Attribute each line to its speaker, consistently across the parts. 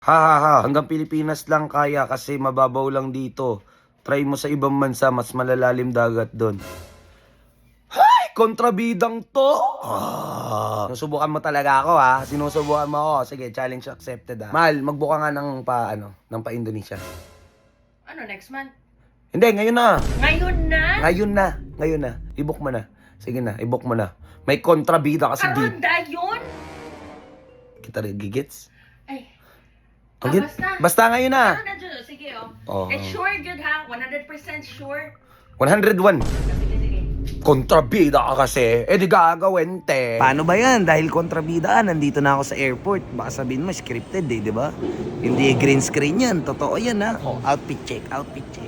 Speaker 1: Ha ha ha, hanggang Pilipinas lang kaya kasi mababaw lang dito. Try mo sa ibang bansa, mas malalalim dagat doon. Hay! Kontrabidang to! Sinusubukan mo talaga ako ha. Sinusubukan mo ako. Sige, challenge accepted ha. Mahal, magbuka nga ng ng pa-Indonesia.
Speaker 2: Ano, next month?
Speaker 1: Hindi, ngayon na.
Speaker 2: Ngayon na?
Speaker 1: Ngayon na. I-book mo na. Sige na, i-book mo na. May kontrabida kasi di.
Speaker 2: Karanda yun?
Speaker 1: Kita rin, gigits?
Speaker 2: Ay.
Speaker 1: Basta. Basta ngayon na.
Speaker 2: Ano na dyan? Sige, oh.
Speaker 1: Oo.
Speaker 2: It's sure, good ha? 100% sure?
Speaker 1: 101.
Speaker 2: Sige, sige.
Speaker 1: Kontrabida ka kasi. Eh di gagawin, te. Paano ba yan? Dahil kontrabidaan, nandito na ako sa airport. Baka sabihin mo, scripted eh, di ba? Hindi green screen yan. Totoo yan ha. Oh, outfit check.
Speaker 3: Outfit check.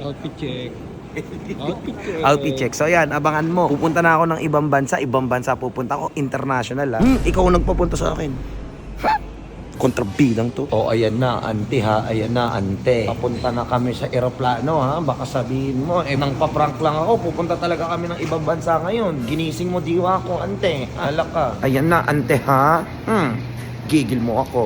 Speaker 1: Outfit check. So yan, abangan mo. Pupunta na ako ng ibang bansa pupunta ako international ha. Ikaw ang nagpapunta sa akin. Kontrabidang to. Oh, ayan na, ante ha. Ayan na, ante. Papunta na kami sa eroplano ha. Baka sabihin mo, nang paprank lang ako. Pupunta talaga kami ng ibang bansa ngayon. Ginising mo diwa ko, ante. Alak ka. Ayan na, ante ha. Gigil mo ako.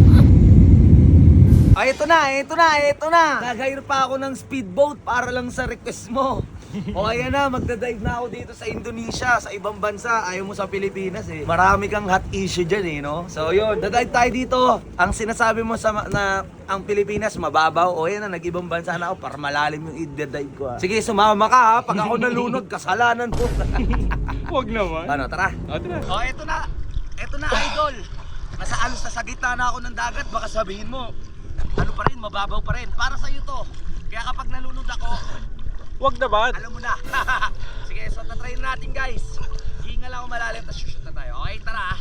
Speaker 1: Ay, ito na. Nag-hire pa ako ng speedboat para lang sa request mo. O ayan na, magdadive na ako dito sa Indonesia, sa ibang bansa. Ayaw mo sa Pilipinas eh. Marami kang hot issue dyan eh, no? So yun, dadive tayo dito. Ang sinasabi mo na ang Pilipinas mababaw, o yan na, nag-ibang bansa na ako para malalim yung i-dive ko ha. Sige, sumama ka ha. Pag ako nalunod, kasalanan mo.
Speaker 3: Huwag naman.
Speaker 1: Ano, tara.
Speaker 3: Tara.
Speaker 1: O, eto na idol. Nasa alos na sa gitna na ako ng dagat, baka sabihin mo, ano pa rin, mababaw pa rin. Para sa'yo to. Kaya kapag nalunod ako,
Speaker 3: Huwag naman.
Speaker 1: alam mo na. Sige, so tatry na natin guys. Hinga lang ako malalim, tapos shoot na tayo. Okay, tara.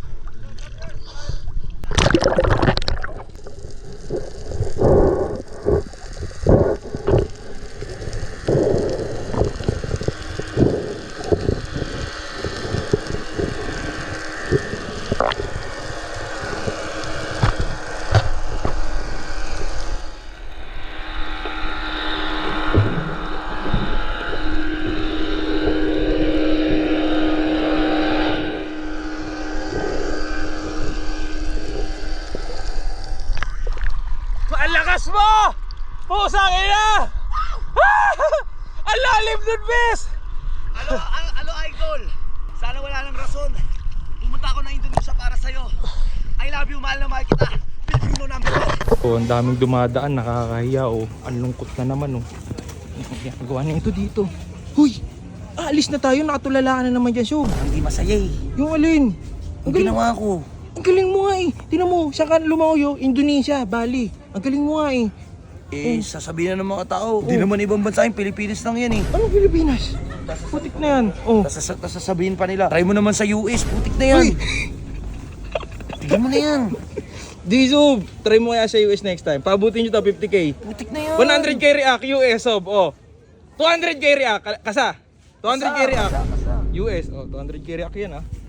Speaker 3: Ang lakas mo! Pusang ina! Ang lalim nun, bes!
Speaker 1: Alo idol. Sana wala nang rason. Pumunta ako ng Indonesia para sa'yo. I love you, mahal na mahal kita. Pilipino number 1.
Speaker 3: Oh, ang daming dumadaan, nakakahiya oh. Ang lungkot na naman oh. Ang ginagawa niya ito dito. Huy! Aalis na tayo, nakatulala ka na naman dyan, Sob.
Speaker 1: Hindi masaya eh.
Speaker 3: Yung alin?
Speaker 1: Ang ginawa ko.
Speaker 3: Ang galing mo nga eh. Tingnan mo, saan ka lumayo? Indonesia, Bali. Ang galing mo nga eh.
Speaker 1: Sasabihin na ng mga tao. Hindi naman ibang bansa yung Pilipinas lang yan eh.
Speaker 3: Anong Pilipinas? Putik na yan. Oh.
Speaker 1: Tapos sasabihin pa nila, try mo naman sa US, putik na yan.
Speaker 3: Uy!
Speaker 1: Tignan mo na yan.
Speaker 3: Di, Sob. Try mo kaya sa US next time. Pabutin nyo to 50k.
Speaker 1: Putik na yan.
Speaker 3: 100k react, US, Sob. Oh. 200k react, kasa. 200k react.
Speaker 1: Kasa.
Speaker 3: US, oh, 200k react yan ah.